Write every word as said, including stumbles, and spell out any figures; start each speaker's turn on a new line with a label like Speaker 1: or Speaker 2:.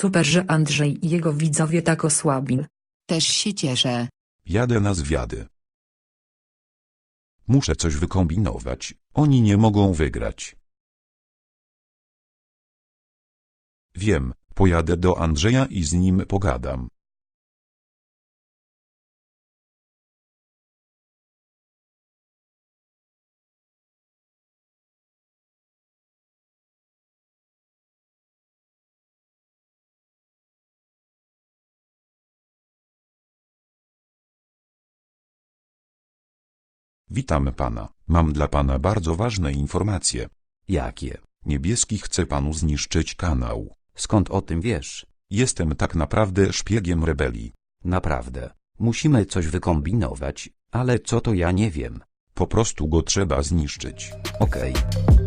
Speaker 1: Super, że Andrzej i jego widzowie tak osłabili.
Speaker 2: Też się cieszę.
Speaker 3: Jadę na zwiady. Muszę coś wykombinować, oni nie mogą wygrać. Wiem, pojadę do Andrzeja i z nim pogadam. Witam pana, mam dla pana bardzo ważne informacje.
Speaker 4: Jakie?
Speaker 3: Niebieski chce panu zniszczyć kanał.
Speaker 4: Skąd o tym wiesz?
Speaker 3: Jestem tak naprawdę szpiegiem rebelii.
Speaker 4: Naprawdę. Musimy coś wykombinować, ale co to ja nie wiem.
Speaker 3: Po prostu go trzeba zniszczyć.
Speaker 4: Okej.